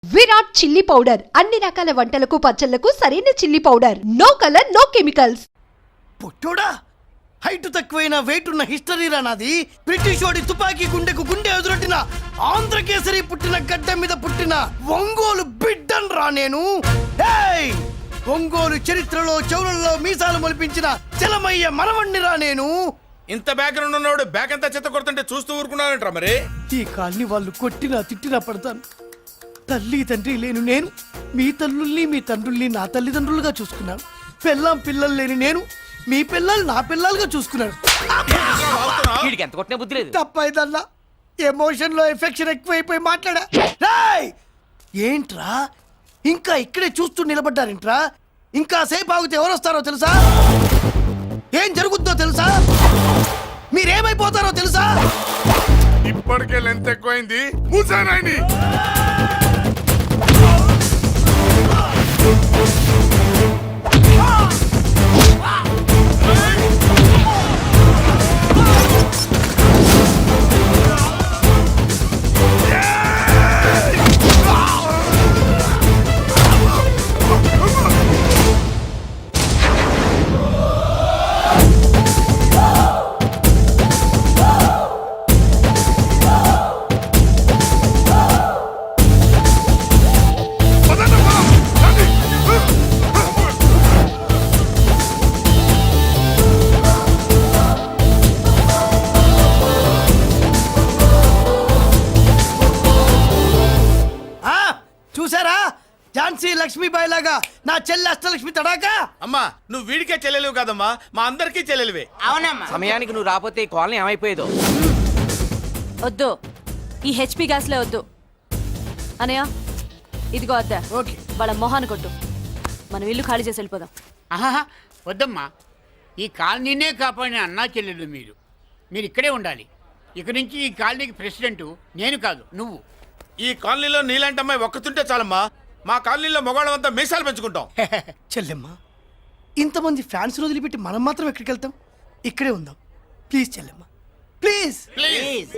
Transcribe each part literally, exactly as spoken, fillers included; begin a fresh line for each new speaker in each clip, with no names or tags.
Virat chilli powder అన్ని రకాల వంటలకు పచ్చళ్లకు సరైన chilli powder. No colour no chemicals.
పుట్టోడా హైట్ తక్కువైన వెయిట్ ఉన్న హిస్టరీ రానాది. బ్రిటిష్ వాడి తుపాకీ గుండెకు గుండె ఎదురొట్టిన ఆంధ్రకేసరి పుట్టిన గడ్డ మీద పుట్టిన ఒంగోలు బిడ్డన్ రా నేను. ఏయ్ ఒంగోలు చరిత్రలో చౌరల్లో మీసాలు మొలిపించిన చలమయ్య మనవణ్ణి రా నేను.
ఇంత బ్యాక్గ్రౌండ్ ఉన్నవాడు బ్యాక్ అంతా చెత్త కొడుతుంటే చూస్తూ ఊరుకున్నానంటారా మరి?
ఈ కాల్ని వాళ్ళు కొట్టినా తిట్టినా పడతాను. తల్లి తండ్రి లేను నేను మీ తల్లుల్ని మీ తండ్రుల్ని నా తల్లిదండ్రులుగా చూసుకున్నాను. పిల్లం పిల్లలు లేని నేను మీ పిల్లలు నా పిల్లలుగా చూసుకున్నాను.
ఎంత కొట్టిన బుద్ధి లేదు.
తప్పైదల్లా ఎమోషన్ లో ఎఫెక్షన్ ఎక్కువైపోయి మాట్లాడా. రేయ్! ఏంట్రా ఇంకా ఇక్కడే చూస్తూ నిలబడ్డారేంట్రా? ఇంకా సేపు ఆగితే ఎవరు వస్తారో తెలుసా? ఏం జరుగుద్దో తెలుసా? మీరేమైపోతారో తెలుసా?
ఇప్పటికే లెంత్ ఎక్కువైంది. మూసానాయని
చూసారా? ఝాన్సీ లక్ష్మీబాయి లాగా నా చెల్లి అష్టలక్ష్మి తడాకా.
అమ్మా నువ్వు వీడికే చెల్లెలివి కాదమ్మా, మా అందరికీ చెల్లెలివే.
అవునమ్మా. సమయానికి నువ్వు రాకపోతే ఈ కాలనీ ఏమైపోయేదో.
వద్దు, ఈ హెచ్పి గ్యాస్లే వద్దు. అనయ్య ఇదిగో అద్దా.
ఓకే.
వాళ్ళ మొహాన్ని కొట్టు. మనం ఇల్లు ఖాళీ చేసి వెళ్ళిపోదాం.
ఆహా వద్దమ్మా, ఈ కాలనీనే కాపాడిన అన్నా చెల్లెలు మీరు. మీరు ఇక్కడే ఉండాలి. ఇక నుంచి ఈ కాలనీకి ప్రెసిడెంట్ నేను కాదు, నువ్వు.
ఈ కాలనీలో నీలాంటి అమ్మాయి ఒక్కతుంటే చాలమ్మా. మా కాలనీలో మొగాళ్ళమంతా మీసాలు పెంచుకుంటాం.
చెల్లెమ్మ ఇంతమంది ఫ్యాన్స్ వదిలిపెట్టి మనం మాత్రం ఎక్కడికి వెళ్తాం? ఇక్కడే ఉందాం ప్లీజ్ చెల్లెమ్మ, ప్లీజ్
ప్లీజ్.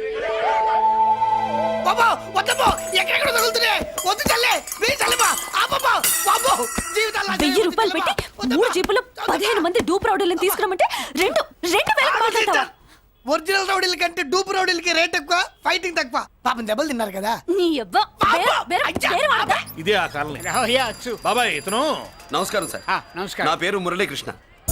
బాబా వద్దమ్మా, ఎక్కడెక్కడ తగులుతున్నాయి. వద్దు చెల్లె, ప్లీజ్ చెల్లెమ్మ. ఆపమ్మా బాబు, జీవితాల్లో
వెయ్యి రూపాయలు పెట్టి మూడు జీపులు పదిహేను మంది డూప్ రౌడీలను తీసుకురమ్మంటే రెండు రెండు వేలకు మాట్లాడతావా?
ఒరిజినల్ రౌడీల కంటే డూప్ రౌడీలకి రేట్ ఎక్కువ, ఫైటింగ్ తక్కువ. పాపం దెబ్బలు తిన్నారు కదా.
నీ యవ్వ వేరే వేరే వేరే వాడదా?
ఇదే ఆ కాలనీ.
రావయ్యా అచ్చు.
బాబాయ్ ఇతను.
నమస్కారం సార్.
ఆ, నమస్కారం.
నా పేరు మురళీకృష్ణ.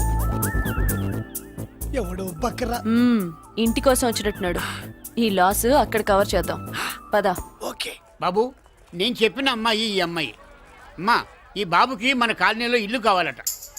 ఎవడు బక్కరా.
మ్మ్, ఇంటి కోసం వచ్చినట్టున్నాడు. ఈ లాస్ అక్కడ కవర్ చేద్దాం పదా.
ఓకే
బాబు, నేను చెప్పిన అమ్మాయి ఈ అమ్మాయి. అమ్మా, ఈ బాబుకి మన కాలనీలో ఇల్లు కావాలట.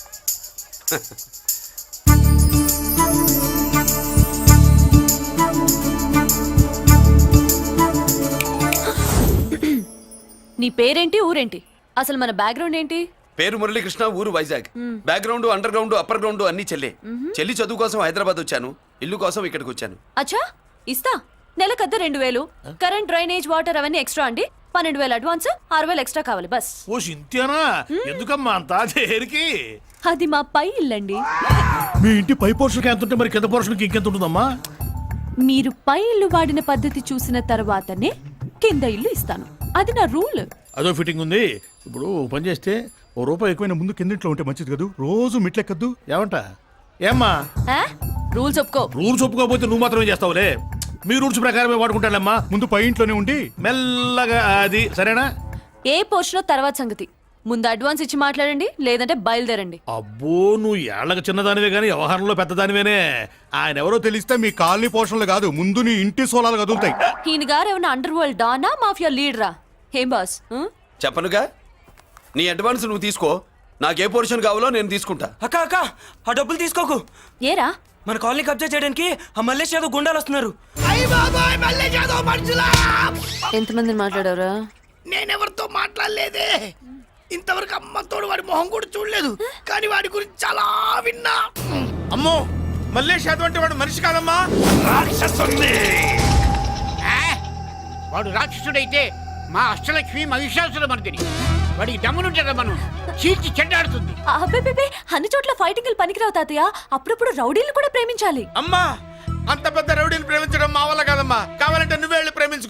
నీ పేరేంటి, ఊరేంటి, అసలు మన బ్యాక్గ్రౌండ్ ఏంటి?
పేరు మురళీకృష్ణ, ఊరు Vizag. Background under ground upper ground అన్ని చెల్లి. చెల్లి చదువు కోసం హైదరాబాద్ వచ్చాను, ఇల్లు కోసం ఇక్కడికి వచ్చాను.
అచ్చా, ఇస్తా. నెలకద్ద రెండు వేలు, కరెంట్, డ్రైనేజ్, వాటర్ అవన్నీ ఎక్స్ట్రా అండి. పన్నెండు వేలు అడ్వాన్స్, ఆరు వేలు ఎక్స్ట్రా కావాలి బస్.
ఓ సింత్యానా, ఎందుకమ్మా అంత దేనికి?
అది మా పై ఇల్లండి.
మీ ఇంటి పై పోర్షన్కి ఎంత ఉంటే మరి కింద పోర్షన్కి ఇంకెంత ఉంటుందమ్మా?
మీరు పై ఇల్లు వాడిన పద్ధతి చూసిన తర్వాతనే కింద ఇల్లు ఇస్తాను. అది నా రూల్.
అదో ఫిట్టింగ్ ఉంది. ఇప్పుడు ఓ పని చేస్తే ఓ రూపాయి ఎక్కువైనా ముందు కిందింట్లో ఉంటే మంచిది కదూ, రోజు మిట్లెక్కద్దు. ఏమంటా? ఏమ్మా
రూల్స్ ఒప్పుకో.
రూల్స్ ఒప్పుకోకపోతే నువ్వు మాత్రమే చేస్తావులే. మీ రూల్స్ ప్రకారమే వాడుకుంటానమ్మా. ముందు పై ఇంట్లోనే ఉండి మెల్లగా అది, సరేనా?
ఏ పోర్షన్ తర్వాత సంగతి. ముందు అడ్వాన్స్ ఇచ్చి మాట్లాడండి, లేదంటే బయలుదేరండి.
అబ్బో, నువ్వు ఏళ్ళకి చిన్నదానివే గానీ వ్యవహారంలో పెద్దదానివేనే. ఆయన ఎవరో తెలిస్తే మీ కాలనీ పోషణలు కాదు, ముందు నీ ఇంటి సోలాలు కదులుతాయి.
ఈయన గారు ఏమన్నా అండర్ వరల్డ్ డానా, మాఫియా లీడరా? ఏం బాస్?
చెప్పనుగా, నీ అడ్వాన్స్ నువ్వు తీసుకో. నాకే పోర్షన్ కావాలో నేను తీసుకుంటా.
అక్క అక్క, ఆ డబ్బులు తీసుకోకు.
ఏరా?
మన కాలనీ కబ్జా చేయడానికి ఆ మల్లేష్ యాదవ్ గుండాలు వస్తున్నారు.
అయ్య బాబాయ్, మళ్ళీ చదువు మనుషులా.
ఎంతమందిని మాట్లాడారా?
నేనెవరితో మాట్లాడలేదే. ఇంతవరకు అమ్మతోడు వాడి మొహం కూడా చూడలేదు, కానీ వాడి గురించి చాలా విన్నా.
అమ్మో, మల్లేష్ యాదవ్ అంటే వాడు మనిషి కాదమ్మా, రాక్షసుడి.
ఆ, వాడు రాక్షసుడైతే మా అష్టలక్ష్మి మహిషాసుల మర్దిని. వాడికి దమ్మునుంటారా మనం చీల్చి చెడ్డాడుతుంది.
అబ్బే, అన్ని చోట్ల ఫైటింగ్ పనికిరావు తాతయ్య. అప్పుడప్పుడు రౌడీలు కూడా ప్రేమించాలి.
అమ్మా, అంత పెద్ద రౌడీని ప్రేమించడం మా వల్ల కాదమ్మా. కావాలంటే నువ్వే వెళ్ళి ప్రేమించుకో.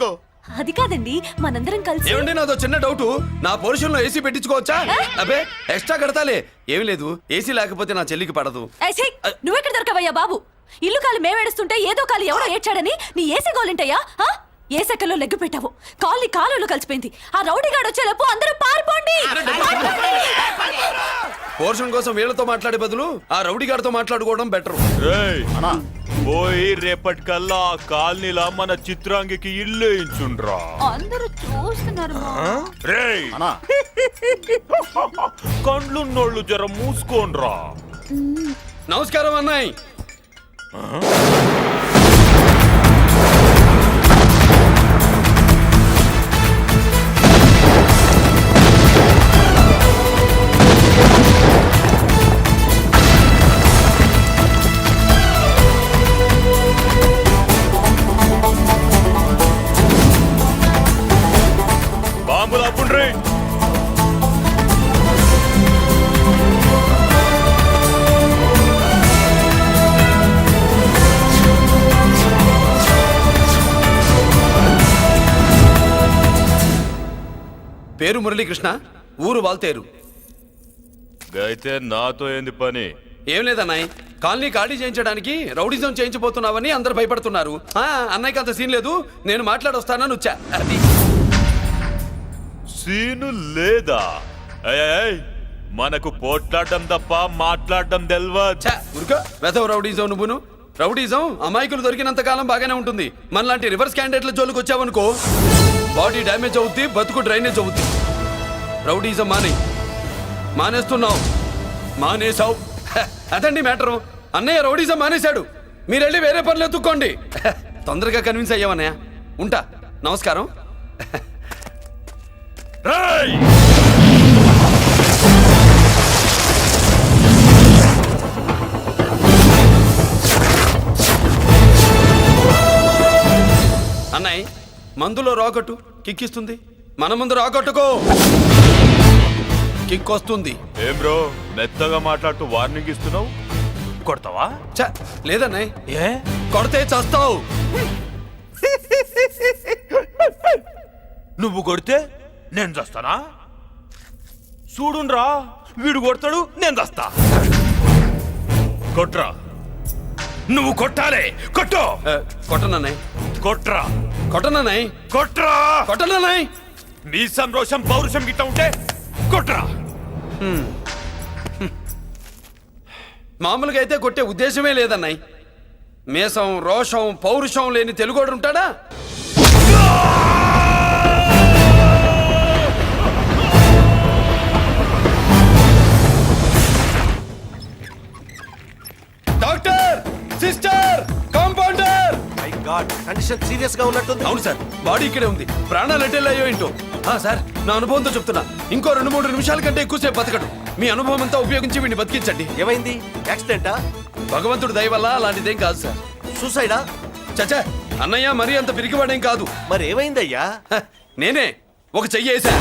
అది కాదండి మనందరం కలిసి
ఏమండి నాదో చిన్న డౌట్ నా పోర్షన్ లో ఏసీ పెట్టించుకోవచ్చా అబ్బే ఎక్స్ట్రా కడతాలే ఏమి లేదు ఏసీ లేకపోతే నా చెల్లికి పడదు
ఏయ్, ఛీ! నువ్వెక్కడ దొరకవయ్యా బాబు ఇల్లు కాలు మేమేడుస్తుంటే ఏదో కాలు ఎవరో ఏడ్చాడని నీ ఏసీ గోలింటయ్యా ఆ? ఏ సెకల్లో లెగ్గు పెట్టావు కాలి కాలులో కలిసిపోయింది ఆ రౌడీగాడు వచ్చేలోపు అందరూ పారిపోండి
పోర్షన్ కోసం వీళ్ళతో మాట్లాడే బదులు ఆ రౌడీ గారితో మాట్లాడుకోవడం బెటర్
రేయ్ పోయి రేపటికల్లా ఆ కాలనీలా మన చిత్రాంగికి ఇల్లు వేయించుండ్రా
అందరూ చూస్తున్నారు
రేయ్ కండ్లున్నోళ్ళు జర మూసుకోండ్రా
నమస్కారం అన్నాయ్
బాంబులు ఆపుండ్రీ
పేరు మురళీకృష్ణ ఊరు వాల్తేరు
అయితే నాతో ఏంది పని
ఏం లేదన్నాయ్ కాలనీ ఖాళీ చేయించడానికి రౌడిజం చేయించబోతున్నావని అందరు భయపడుతున్నారు ఆ, అన్నయ్యకి అంత సీన్ లేదు నేను మాట్లాడొస్తానని వచ్చా అది
సీను లేదా ఏయ్, ఏయ్, మనకు పోట్లాడడం తప్ప మాట్లాడడం తెల్వా
ఛా, ఊరుకో వెధవ రౌడీజం నువ్వును రౌడీజం అమాయకులు దొరికినంత కాలం బాగానే ఉంటుంది మనలాంటి రివర్స్ క్యాండిడేట్ల జోలికి వచ్చావనుకో బాడీ డ్యామేజ్ అవుద్ది బతుకు డ్రైనేజ్ అవుద్ది రౌడీజం మానే మానేస్తున్నావు మానేసావు హ, అదండి మ్యాటరు అన్నయ్య రౌడీజం మానేశాడు మీరెళ్ళి వేరే పనులు ఎత్తుక్కోండి హ, తొందరగా కన్విన్స్ అయ్యావన్నయ్య ఉంటా నమస్కారం
రేయ్
అన్నయ్య మందులో రాకట్టు కిక్కిస్తుంది మన ముందు రాకట్టుకో కిక్ వస్తుంది
ఏం బ్రో మెత్తగా మాట్లాడుతూ వార్నింగ్ ఇస్తున్నావు కొడతావా
ఛ, లేదన్నయ్య
ఏ
కొడితే చస్తావు
నువ్వు కొడితే నేను చస్తానా చూడుండ్రా వీడు కొడతాడు నేను చస్తా కొట్రా నువ్వు కొట్టాలే కొట్టు
ఆ, కొట్టనన్నయ్
కొట్రా
కొట్టనన్నయ్
కొట్రా
కొట్టనన్నయ్
నీ సంతోషం పౌరుషం గిట్ట ఉంటే కొట్రా
మామూలుగా అయితే కొట్టే ఉద్దేశమే లేదన్నయ్ మేషం రోషం పౌరుషం లేని తెలుగోడు ఉంటాడా doctor sister compounder
condition serious గా ఉన్నట్టుంది.
అవును సార్ బాడీ ఇక్కడే ఉంది ప్రాణాలు ఎట్టెళ్ళాయో ఏంటో ఆ, సార్ నా అనుభవంతో చెప్తున్నా ఇంకో రెండు మూడు నిమిషాల కంటే ఎక్కువసేపు బతకడు మీ అనుభవం అంతా ఉపయోగించి వీడిని బతికించండి
ఏమైంది? యాక్సిడెంటా?
భగవంతుడు దయ వల్ల అలాంటిదేం కాదు సార్
సూసైడా?
చచ్చా అన్నయ్య మరీ అంత పిరికివాడేం కాదు
మరి ఏమైందయ్యా?
హ, నేనే ఒక చెయ్యేసా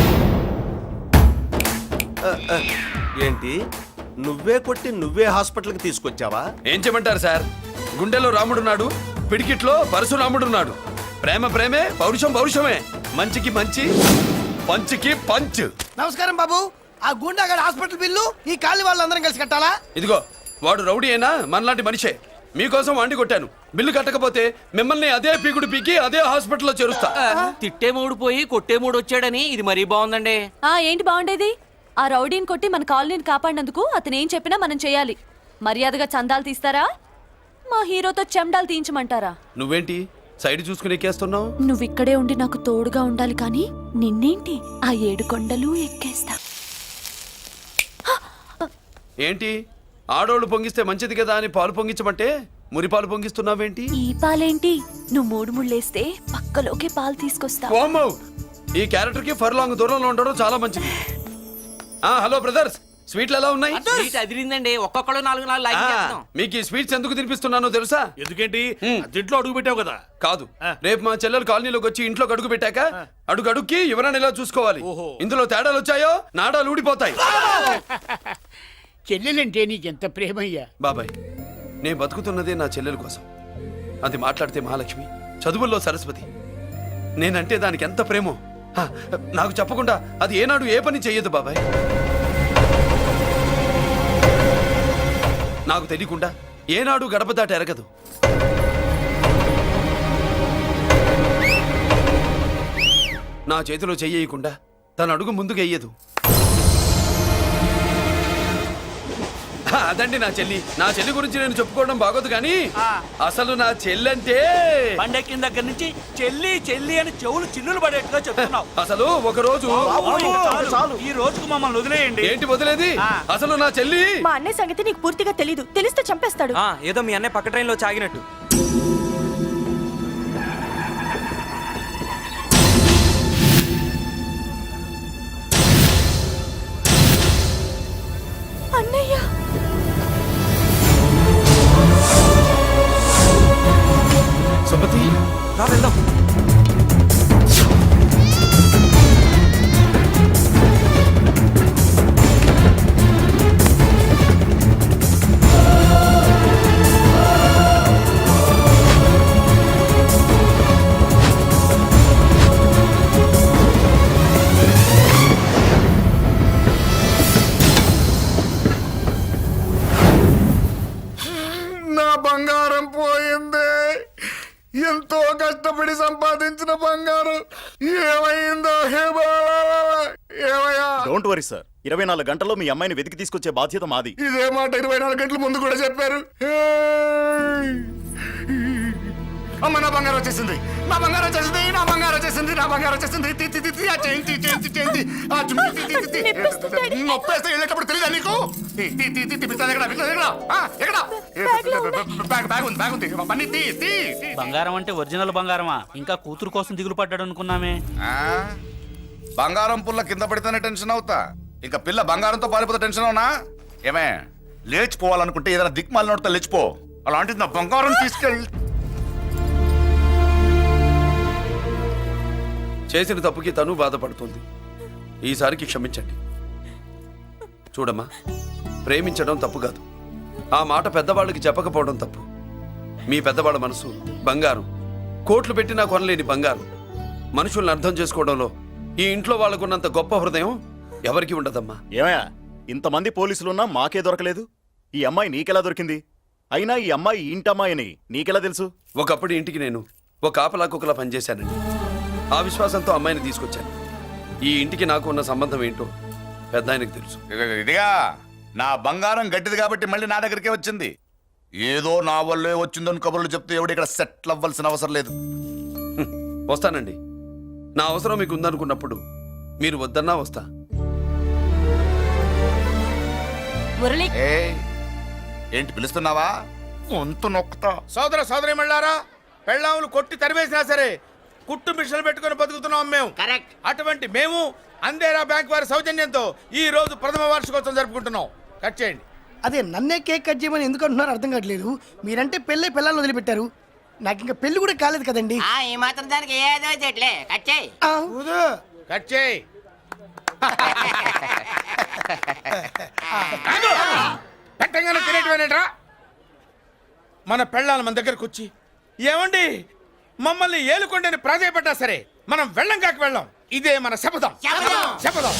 ఏంటి నువ్వే కొట్టి నువ్వే హాస్పిటల్కి తీసుకొచ్చావా?
ఏం చేయమంటారు సార్ గుండెలో రాముడున్నాడు పిడికిట్లో పరశురాముడున్నాడు ప్రేమ ప్రేమే పౌరుషం పౌరుషమే మంచికి మంచి పంచికి పంచ్
నమస్కారం బాబు. ఆ గుండాగడ్ హాస్పిటల్ బిల్లు ఈ కాలి వాళ్ళందరం కలిసి కట్టాలా?
ఇదిగో వాడు రౌడీ అయినా మనలాంటి మనిషే మీకోసం వండి కొట్టాను బిల్లు కట్టకపోతే మిమ్మల్ని అదే పీకుడు పీకి అదే హాస్పిటల్లో చేరుస్తా
తిట్టే మూడు పోయి కొట్టే మూడు వచ్చాడని ఇది మరీ బాగుందండి
ఆ ఏంటి బాగుండేది ఆ రౌడీని కొట్టి మన కాలనీని కాపాడినందుకు అతను ఏం చెప్పినా మనం చేయాలి మర్యాదగా చందాలు తీస్తారా మా హీరోతో చెండాలు తీయించమంటారా
నువ్వేంటి సైడ్ చూసుకుని ఎక్కేస్తున్నావు
నువ్వు ఇక్కడే ఉండి నాకు తోడుగా ఉండాలి కానీ నిన్నేంటి ఆ ఏడు కొండలు ఎక్కేస్తా
ఏంటి ఆడోళ్ళు పొంగిస్తే మంచిది కదా అని పాలు పొంగించమంటే మురి పాలు పొంగిస్తున్నావేంటి
ఈ పాలేంటి నువ్వు మూడు ముళ్ళేస్తే పక్కలోకే పాలు తీసుకొస్తా
ఓమ్మో ఈ క్యారెక్టర్ కి ఫర్ లాంగ్ దూరంలో ఉండడం చాలా మంచిది ఆ హలో బ్రదర్స్ స్వీట్లు ఎలా ఉన్నాయి
సీట్ అదిరిందండి ఒక్కొక్కడు నాలుగు నాలుగు లైక్
ఆ,
చేస్తాం
మీకు ఈ స్వీట్స్ ఎందుకు తినిపిస్తున్నానో తెలుసా
ఎందుకేంటి
హ్మ్.
దీంట్లో అడుగు పెట్టావు కదా
కాదు రేపు మా చెల్లెలు కాలనీలోకి వచ్చి ఇంట్లో అడుగు పెట్టాక అడుగు అడుక్కి ఎవరైనా ఇలా చూసుకోవాలి ఇందులో తేడాలు వచ్చాయో నాడాలు ఊడిపోతాయి
చెల్లెలంటే నీకెంత ప్రేమయ్యా.
బాబాయ్ నేను బతుకుతున్నదే నా చెల్లెల కోసం అది మాట్లాడితే మహాలక్ష్మి చదువుల్లో సరస్వతి నేనంటే దానికి ఎంత ప్రేమో హ, నాకు చెప్పకుండా అది ఏనాడు ఏ పని చెయ్యదు బాబాయ్. నాకు తెలియకుండా ఏనాడు గడప దాటి ఎరగదు. నా చేతిలో చెయ్యకుండా తన అడుగు ముందుకు వెయ్యదు. హ, అదండి నా చెల్లి. నా చెల్లి గురించి నేను చెప్పుకోవడం బాగోదు కానీ అసలు నా చెల్లి అంటే
పండెక్కిన దగ్గర నుంచి చెల్లి చెల్లి అని చెవులు చిల్లులు పడేట్టుగా చెప్తున్నావు.
అసలు ఒక రోజు
ఈ రోజుకు మమ్మల్ని వదిలేయండి.
ఏంటి వదిలేది? అసలు నా చెల్లి
మా అన్నయ్య సంగతి నీకు పూర్తిగా తెలీదు. తెలిస్తే చంపేస్తాడు.
ఆ, ఏదో మీ అన్నయ్య పక్క ట్రైన్లో చాగినట్టు.
అన్నయ్య
సుమతి
రా వెళ్దాం.
నా బంగారం పోయింది. ఎంతో కష్టపడి సంపాదించిన బంగారం ఏమైందో హే బాబా, ఏమయ్యా?
డోంట్ వరీ సార్, ఇరవై నాలుగు గంటల్లో మీ అమ్మాయిని వెతికి తీసుకొచ్చే బాధ్యత మాది.
ఇదే మాట ఇరవై నాలుగు గంటల ముందు కూడా చెప్పారు. హే! అమ్మ నా బంగారం వచ్చేసింది, నా బంగారం వచ్చేసింది, నా బంగారం వచ్చేసింది, నా బంగారం వచ్చేసింది. తి, తి, తి, తి, ఆ చేయి, తి, చేయి, తి, చేయి, తి. ఆ జుమ్మి, తి, తి, తి, తి. నొప్పేస్తే వెళ్ళేటప్పుడు తెలియదా నీకు? తి, తి, తి, తి, తి, పిస్తాది ఎక్కడ, పిస్తాది ఎక్కడ? ఆ, ఎక్కడ? బ్యాగ్, బ్యాగ్ ఉంది, బ్యాగ్ ఉంది. పని తీ, తీ, తీ.
బంగారం అంటే ఒరిజినల్ బంగారమా? ఇంకా కూతురు కోసం దిగులు పడ్డాడు అనుకున్నామే.
ఆ? బంగారం పుల్ల కింద పడితేనే టెన్షన్ అవుతా, ఇంకా పిల్ల బంగారంతో పారిపోతే టెన్షన్ అవునా? ఏమే లేచిపోవాలనుకుంటే ఏదైనా దిక్మాల నోడితే లేచిపో. అలాంటిది నా బంగారం తీసుకెళ్ళి.
చేసిన తప్పుకి తను బాధపడుతుంది. ఈసారికి క్షమించండి. చూడమ్మా, ప్రేమించడం తప్పు కాదు. ఆ మాట పెద్దవాళ్ళకి చెప్పకపోవడం తప్పు. మీ పెద్దవాళ్ళ మనసు బంగారం, కోట్లు పెట్టినా కొనలేని బంగారం. మనుషుల్ని అర్థం చేసుకోవడంలో ఈ ఇంట్లో వాళ్ళకున్నంత గొప్ప హృదయం ఎవరికి ఉండదమ్మా.
ఏమయ్యా, ఇంతమంది పోలీసులున్నా మాకే దొరకలేదు. ఈ అమ్మాయి నీకెలా దొరికింది? అయినా ఈ అమ్మాయి ఈ ఇంటమ్మాయి అని నీకెలా తెలుసు?
ఒకప్పుడు ఇంటికి నేను ఒక ఆపలా కుక్కలా పనిచేశానండి. ఆ విశ్వాసంతో అమ్మాయిని తీసుకొచ్చాను. ఈ ఇంటికి నాకు ఉన్న సంబంధం ఏంటో పెద్ద ఆయనకు తెలుసు.
ఇదిగో, ఇదిగా నా బంగారం గట్టిది కాబట్టి మళ్ళీ నా దగ్గరికే వచ్చింది. ఏదో నా వల్లే వచ్చిందని కబుర్లు చెప్తే ఎవడు ఇక్కడ సెటిల్ అవ్వాల్సిన అవసరం లేదు.
హ్మ్, వస్తానండి. నా అవసరం మీకు ఉందనుకున్నప్పుడు మీరు వద్దన్నా వస్తా.
మురళి
ఏ ఏంటి పిలుస్తున్నావా? వంతు నొక్కుతా.
సోదర సోదరి మళ్ళారా, పెళ్ళాములు కొట్టి తరివేసినా సరే కుట్టు మిషన్లు పెట్టుకుని బతుకుతున్నాం మేము. అటువంటి మేము అందేరా బ్యాంక్ వారి సౌజన్యంతో ఈ రోజు ప్రథమ వార్షికోత్సవం జరుపుకుంటున్నాం. కట్ చేయండి.
అదే నన్నే కేక్ కట్ చేయమని ఎందుకు అంటున్నారో అర్థం కావట్లేదు. మీరంటే పెళ్ళే పిల్లల్ని వదిలిపెట్టారు, నాకు ఇంకా పెళ్లి కూడా కాలేదు కదండి.
ఈ మాత్రం దానికి ఏదో చెట్లే కట్ చేయి.
ఆ,
కట్ చేయి. పెట్టంగానే తినేటివేనేట్రా? మన పెళ్ళాల మన దగ్గరకు వచ్చి ఏమండి మమ్మల్ని ఏలుకొండని ప్రాధాయపడ్డా సరే మనం వెళ్ళం కాక వెళ్ళం. ఇదే మన శపథం. శపథం.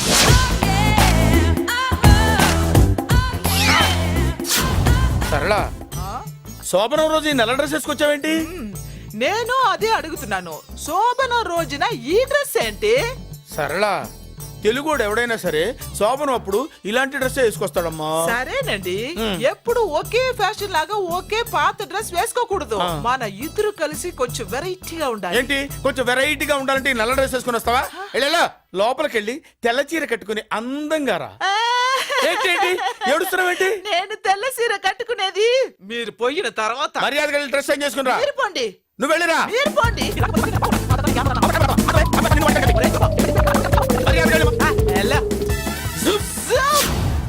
సరళ, శోభనం రోజు ఈ నల్ల డ్రెస్ వేసుకొచ్చావేంటి?
నేను అదే అడుగుతున్నాను, శోభన రోజున ఈ డ్రెస్ ఏంటి?
సరళ, తెలుగుడు ఎవడైనా సరే శోభనం అప్పుడు ఇలాంటి డ్రెస్ వేసుకొస్తాడమ్మా.
సరేనండి, ఎప్పుడు ఒకే ఫ్యాషన్ లాగా ఒకే పాత డ్రెస్ వేసుకోకూడదు. మన ఇద్దరు కలిసి కొంచెం వెరైటీగా ఉండాలి.
ఏంటి కొంచెం వెరైటీగా ఉండాలంటే ఈ నల్ల డ్రెస్ వేసుకొని వస్తావా? వెళ్ళా లోపలికి వెళ్ళి తెల్ల చీర కట్టుకుని అందంగా రా. ఏంటి ఏంటి ఏడుస్తున్నావేంటి?
నేను తెల్ల సీర కట్టుకునేది మీరు పోయిన తర్వాత.
మర్యాదగా వెళ్ళి డ్రెస్ చేంజ్ చేసుకుని రా.
మీరు పోండి,
నువ్వు వెళ్ళిరా.
మీరు పోండి.
మర్యాదగా వెళ్ళి.
ఆ, ఎలా? జుప్, జుప్.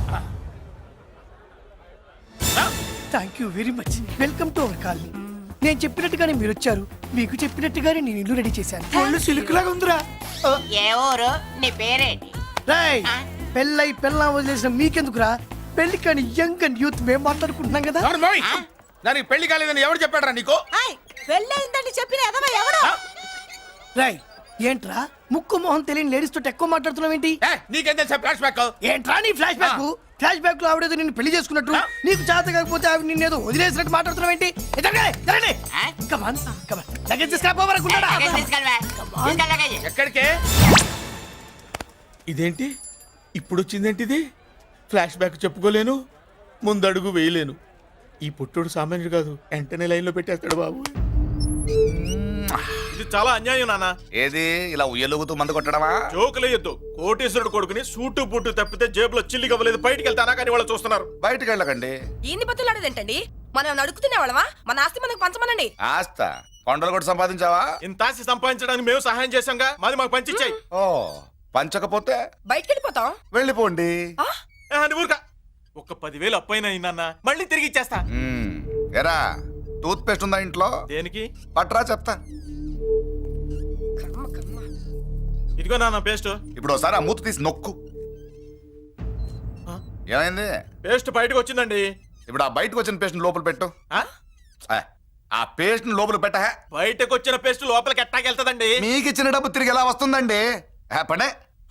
Thank you very much. Welcome to our colony. నేను చెప్పినట్టుగానే మీరు వచ్చారు, మీకు చెప్పినట్టుగానే నేను ఇల్లు రెడీ చేశాను. ఒళ్ళు సిల్క్ లాగా ఉందిరా.
ఏ ఊరు? నీ పేరేంటి?
రాయ్, పెళ్ళై పెళ్ళా వదిలేసిన మీకెందుకురా? పెళ్లి కాని యంగ్ అండ్ యూత్ మేము మాట్లాడుకుంటున్నాం కదా.
ఎవరు మోయ్? దానికి పెళ్లి కాలేదని ఎవరు చెప్పాడరా నీకు?
పెళ్ళయిందని చెప్పిన ఎదవ ఎవడు?
రాయ్, ఏంట్రా ముక్కు మొహం తెలియని లేడీస్ తోటి ఎక్కువ మాట్లాడుతున్నావు ఏంటి?
ఏ, నీకేం తెలుసా ఫ్లాష్ బ్యాక్
ఏంట్రా నీ ఫ్లాష్ బ్యాక్? ఫ్లాష్ బ్యాక్ లో ఆవిడేదో నిన్ను పెళ్లి చేసుకున్నట్టు, నీకు చేత కాకపోతే ఆవిడ నిన్నేదో వదిలేసినట్టు మాట్లాడుతున్నావు ఏంటి? కమాన్ కమాన్ లగేజ్ తీసుకురాపోవరకుంటాడా?
ఎక్కడికే ఇదేంటి ఇప్పుడు వచ్చిందేంటి ఇది? ఫ్లాష్ బ్యాక్ చెప్పుకోలేను, ముందడుగు వేయలేను. ఈ పుట్టుడు సామాన్యుడు కాదు, వెంటనే లైన్ లో పెట్టేస్తాడు బాబు.
ఇది చాలా అన్యాయం నాన్న.
ఏది ఇలా ఉయ్యలుగుతూ మందు కొట్టడమా?
జోకులేయొద్దు. కోటేశ్వరుడు కొడుకుని సూటు బూటు తప్పితే జేబులో చిల్లి కవ్వలేదు, బయటికి వెళ్తానా కానీ వాళ్ళు చూస్తున్నారు.
బయటికి వెళ్ళకండి.
ఈయన్ని బతులాడేదేంటండి? మనం నడుకుతున్న వాళ్ళమా? మన ఆస్తి మనకు పంచమనండి.
ఆస్త కొండలు కూడా సంపాదించావా?
ఇంత ఆస్తి సంపాదించడానికి మేము సహాయం చేశాంగా, మాది మాకు పంచిచ్చాయి.
ఓ పంచకపోతే
బయటికి వెళ్ళిపోతాం.
వెళ్ళిపోండి.
ఊరుక ఒక్క పదివేలు అప్పైనా నాన్న, మళ్ళీ తిరిగి ఇచ్చేస్తా.
మ్మ్. ఎరా టూత్ పేస్ట్ ఉందా ఇంట్లో?
దేనికి?
పట్రా చెప్తా.
ఇదిగో నాన్న పేస్ట్.
ఇప్పుడు ఒకసారి ఆ మూత తీసి నొక్కు. ఏమైంది?
పేస్ట్ బయటకు వచ్చిందండి.
ఇప్పుడు ఆ బయటకు వచ్చిన పేస్ట్ లోపల పెట్టు.
ఆ?
ఆ, ఆ పేస్ట్ లోపల పెట్ట.
బయటకు వచ్చిన పేస్ట్ లోపలికి ఎట్టాకెళ్తదండి?
మీకు ఇచ్చిన డబ్బు తిరిగి ఎలా వస్తుందండి? ఆ, పడే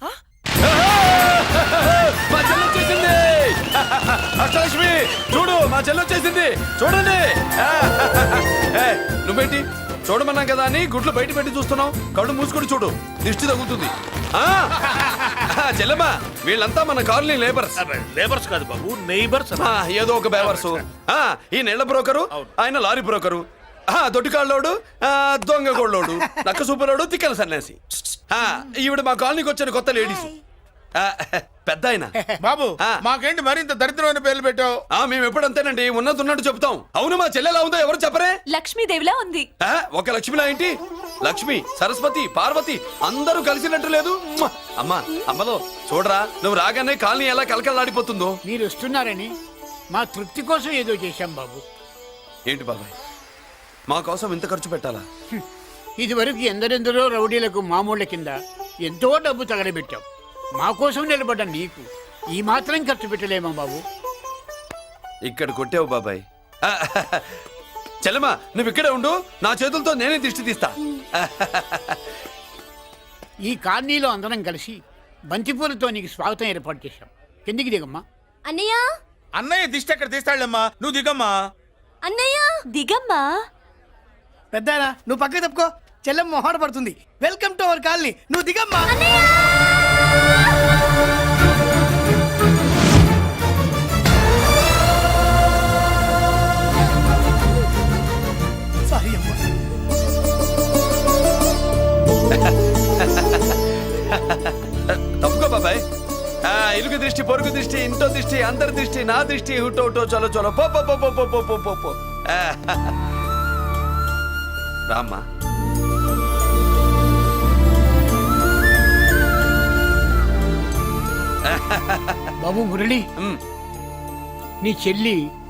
మా చెల్లి వచ్చేసింది. అష్టలక్ష్మి చూడు, మా చెల్లి వచ్చేసింది చూడండి. ఏ, నువ్వేంటి చూడమన్నాం కదా అని గుడ్లు బయట పెట్టి చూస్తున్నావు? కళ్ళు మూసుకొని చూడు, దిష్టి తగ్గుతుంది. ఆ, చెల్లెమ్మా వీళ్ళంతా మన కాలనీ లేబర్స్.
లేబర్స్ కాదు బాబు, నైబర్స్.
ఆ, ఏదో ఒక బేవర్సు. ఆ, ఈ నెల బ్రోకరు, ఆయన లారీ బ్రోకరు, ఆ, దొడ్డికాళ్ళోడు, ఆ, దొంగ గోళ్ళోడు, నక్క సూపరోడు, తిక్కల సన్యాసి. ఆ, ఈవిడ మా కాలనీకి వచ్చిన కొత్త లేడీస్. ఆ, పెద్ద ఆయన.
బాబు
ఆ.
మాకేంటి మరింత దరిద్రమైన పేర్లు పెట్టావు?
ఆ, మేము ఎప్పుడంతేనండి, ఉన్నది ఉన్నట్టు చెప్తాం. అవును, మా చెల్లెలా ఉందో ఎవరు చెప్పరే?
లక్ష్మీదేవిలా ఉంది.
ఆ, ఒక లక్ష్మిలా ఏంటి? లక్ష్మి, సరస్వతి, పార్వతి అందరూ కలిసినట్టు లేదు. మ్మ! అమ్మా అమ్మలో చూడరా, నువ్వు రాగానే కాలనీ ఎలా కలకలాడిపోతుందో.
మీరు వస్తున్నారని మా తృప్తి కోసం ఏదో చేశాం బాబు.
ఏంటి బాబాయ్, మా కోసం ఇంత ఖర్చు పెట్టాలా?
ఇదివరకు ఎందరెందరో రౌడీలకు మామూళ్ళ కింద ఎంతో డబ్బు తగలబెట్టాం. మా కోసం నిలబడ్డ నీకు ఈ మాత్రం ఖర్చు పెట్టలేమా బాబు?
ఇక్కడ కొట్టావు బాబాయ్. ఆ, చెల్లెమ్మా నువ్వు ఇక్కడే ఉండు, నా చేతులతో నేనే దిష్టి తీస్తా.
ఈ కాలనీలో అందరం కలిసి బంతిపూలతో నీకు స్వాగతం ఏర్పాటు చేశాం. కిందికి దిగమ్మా.
అన్నయ్య
అన్నయ్య దిష్టి ఎక్కడ తీస్తాడమ్మా, నువ్వు దిగమ్మా.
అన్నయ్య దిగమ్మా.
పెద్దాయనా నువ్వు పక్కకి తప్పుకో, చెల్లెమ్మ మొహాట పడుతుంది. వెల్కమ్ టు అవర్ కాలనీ, నువ్వు దిగమ్మా. సారీ అమ్మా.
తప్పుకో బాబాయ్. ఆ, ఇరుగు దృష్టి, పొరుగు దృష్టి, ఇంటో దృష్టి, అందరి దృష్టి, నా దృష్టి, హుటో హుటో చలో చలో పో పో పో పో పో పో పో పో పో. ఆ, రామ్మా.
బాబు మురళి,
ఉమ్,
నీ చెల్లి